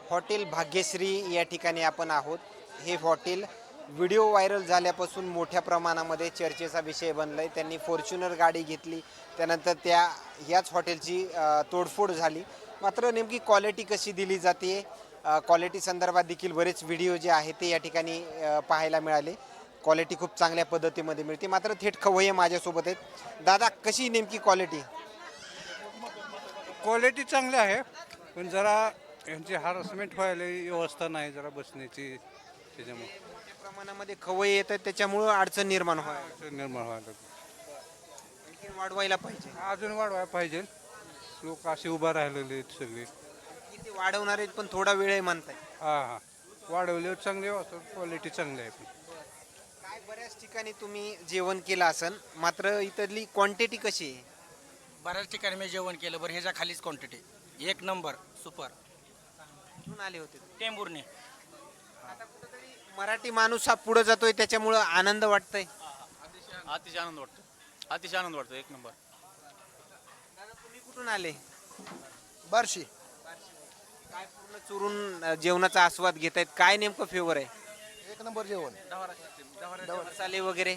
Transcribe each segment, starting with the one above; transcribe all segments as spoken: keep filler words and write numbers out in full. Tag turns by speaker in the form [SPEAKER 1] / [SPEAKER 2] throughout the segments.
[SPEAKER 1] Hotel Bhagyashree या ठिकाणी आपण आहोत. हे हॉटेल व्हिडिओ व्हायरल झाल्यापासून मोठ्या प्रमाणामध्ये चर्चेचा विषय बनला आहे. त्यांनी फॉर्च्युनर गाडी घेतली, त्यानंतर त्या ह्याच हॉटेलची अ, तोडफोड झाली. मात्र नेमकी क्वालिटी कशी दिली जाते, क्वालिटी संदर्भात देखील बरेच व्हिडिओ जे आहेत ते या ठिकाणी अ, पाहायला मिळाले. क्वालिटी खूप चांगल्या पद्धतीमध्ये मिळते. मात्र थेट खवय्ये माझ्यासोबत आहेत. दादा, कशी नेमकी क्वालिटी?
[SPEAKER 2] क्वालिटी चांगली आहे, पण जरा यांची हॅरसमेंट व्हायला व्यवस्था नाही जरा बसण्याची, त्याच्यामुळे
[SPEAKER 1] मोठ्या प्रमाणामध्ये खवय्ये येतात, त्याच्यामुळं अडचण निर्माण व्हायला
[SPEAKER 2] अडचण निर्माण व्हायला
[SPEAKER 1] आणखी वाढवायला पाहिजे.
[SPEAKER 2] अजून वाढवायला पाहिजे. लोक असे उभा राहिलेले आहेत सगळे.
[SPEAKER 1] किती वाढवणार आहेत, पण थोडा वेळ आहे म्हणताय.
[SPEAKER 2] हां हां वाढवल्यावर चांगले वाटतं, क्वालिटी चांगली आहे. पण
[SPEAKER 1] काय बऱ्याच ठिकाणी तुम्ही जेवण केलं असन, मात्र इथली क्वांटिटी कशी आहे?
[SPEAKER 3] बऱ्याच ठिकाणी मी जेवण केलं. बरं, ह्याच्या खालीच क्वांटिटी एक नंबर सुपर.
[SPEAKER 1] कुठून आले होते?
[SPEAKER 3] टेंभुर्णी.
[SPEAKER 1] आता कुठेतरी मराठी माणूस हा पुढे जातोय, त्याच्यामुळं आनंद वाटतंय.
[SPEAKER 4] अतिशय आनंद वाटतो, अतिशय आनंद वाटतो, एक नंबर.
[SPEAKER 1] दादा, तुम्ही कुठून आले?
[SPEAKER 5] बार्शी.
[SPEAKER 1] काय पूर्ण चुरून अ, जेवणाचा आस्वाद घेत आहेत? काय नेमकं फेवर आहे?
[SPEAKER 5] एक नंबर जेवण.
[SPEAKER 1] मसाले वगैरे?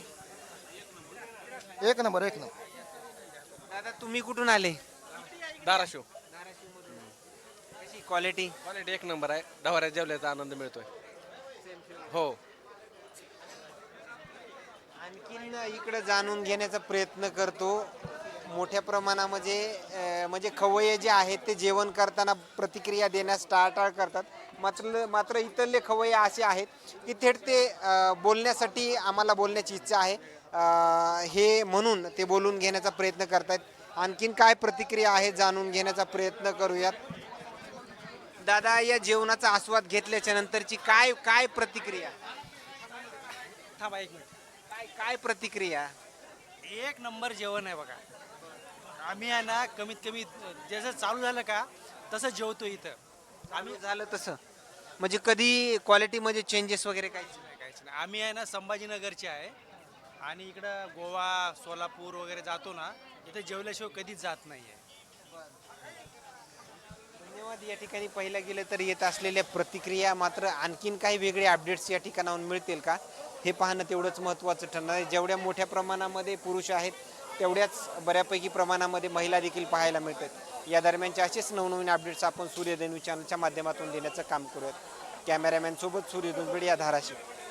[SPEAKER 5] एक नंबर एक नंबर.
[SPEAKER 1] दादा, तुम्ही कुठून आले?
[SPEAKER 4] धाराशिव.
[SPEAKER 1] कशी क्वालिटी?
[SPEAKER 4] क्वालिटी एक नंबर आहे. ढवाऱ्यात जेवल्याचा आनंद मिळतोय. हो.
[SPEAKER 1] आणखीन इकडे जाणून घेण्याचा प्रयत्न करतो. मोठ्या प्रमाणामध्ये अ, म्हणजे खवय्ये जे आहेत ते जेवण करताना प्रतिक्रिया देण्यास टाळाटाळ करतात. मात्र मात्र इथले खवय्ये असे आहेत की थेट ते अ, बोलण्यासाठी आम्हाला बोलण्याची इच्छा आहे अ, हे म्हणून ते बोलून घेण्याचा प्रयत्न करतात. आणखीन काय प्रतिक्रिया आहे जाणून घेण्याचा प्रयत्न करूयात. दादा, या जेवणाचा आस्वाद घेतल्याच्या नंतरची काय काय प्रतिक्रिया?
[SPEAKER 3] थांबा एक मिनिट.
[SPEAKER 1] काय काय प्रतिक्रिया?
[SPEAKER 3] एक नंबर जेवण आहे बघा. आम्ही आहे ना, कमीत कमी जसं चालू झालं का तसं जेवतो इथं.
[SPEAKER 1] आम्ही झालं तसं म्हणजे कधी क्वालिटीमध्ये चेंजेस वगैरे काहीच नाही?
[SPEAKER 3] नाही, काहीच नाही. आम्ही आहे ना संभाजीनगरचे आहे आणि इकडं गोवा सोलापूर वगैरे जातो ना, इथं जेवल्याशिवाय कधीच जात नाही आहे.
[SPEAKER 1] धन्यवाद. या ठिकाणी पाहिलं गेलं तर येत असलेल्या प्रतिक्रिया, मात्र आणखीन काही वेगळे अपडेट्स या ठिकाणाहून मिळतील का हे पाहणं तेवढंच महत्त्वाचं ठरणार आहे. जेवढ्या मोठ्या प्रमाणामध्ये पुरुष आहेत, तेवढ्याच बऱ्यापैकी प्रमाणामध्ये महिला देखील पाहायला मिळतात. या दरम्यानचे असेच नवनवीन अपडेट्स आपण सूर्यधनु चॅनलच्या माध्यमातून देण्याचं काम करूयात. कॅमेरामॅन सोबत सूर्यधनु बीड, या धाराशिव.